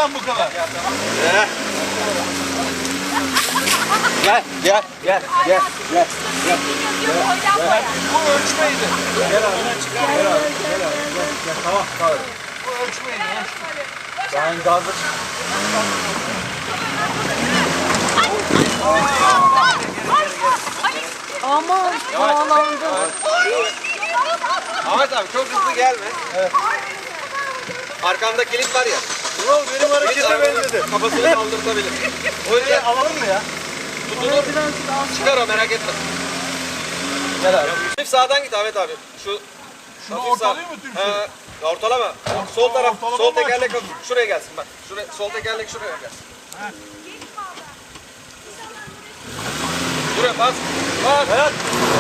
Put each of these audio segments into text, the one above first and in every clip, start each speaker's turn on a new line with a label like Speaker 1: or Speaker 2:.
Speaker 1: lan bu kadar.
Speaker 2: Gel.
Speaker 1: Bu ölçmeydi.
Speaker 2: Gel abi. Tamam.
Speaker 1: Bu ölçmeydi.
Speaker 2: Ben gazı
Speaker 3: Aman bağlandı.
Speaker 4: Ahmet abi çok hızlı gelme.
Speaker 2: Evet.
Speaker 4: Arkamda kilit var ya.
Speaker 2: Ulan benim harekete benzedi.
Speaker 4: Kafasını kaldırtabilir. O yüzden
Speaker 2: Alalım mı ya?
Speaker 4: tutulur. Çıkar o, merak etme.
Speaker 2: Gel abi.
Speaker 4: Hafif sağdan git Ahmet abi.
Speaker 1: Şunu
Speaker 4: hafif sağ.
Speaker 1: ortalayayım mı tümsü?
Speaker 4: Ortalama. Sol taraf,
Speaker 1: ortalama
Speaker 4: sol
Speaker 1: mı
Speaker 4: tekerlek
Speaker 1: açılmış?
Speaker 4: şuraya gelsin bak. Sol tekerlek şuraya gelsin. Buraya bas. Bas.
Speaker 2: Evet.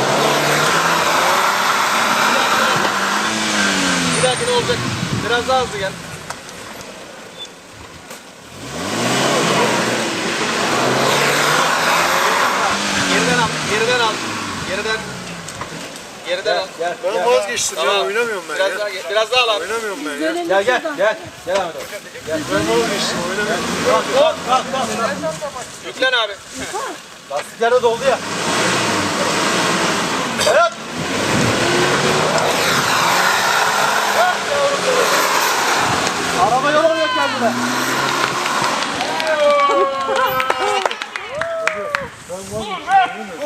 Speaker 4: Bir dahaki ne olacak? Biraz daha hızlı gel. Geriden al. Geriden al.
Speaker 2: Gel.
Speaker 5: Ben vazgeçtim
Speaker 4: Tamam.
Speaker 5: ya, oynamıyorum ben
Speaker 4: Biraz
Speaker 5: ya.
Speaker 4: daha, biraz daha al abi.
Speaker 5: Oynamıyorum ben ya.
Speaker 2: Gel. Gel Ahmet abi.
Speaker 5: Ben vazgeçtim, oynamıyorum.
Speaker 2: Kalk.
Speaker 4: Yüklen abi.
Speaker 2: Lastikler de doldu ya. Evet. Araba yol alıyor kendine.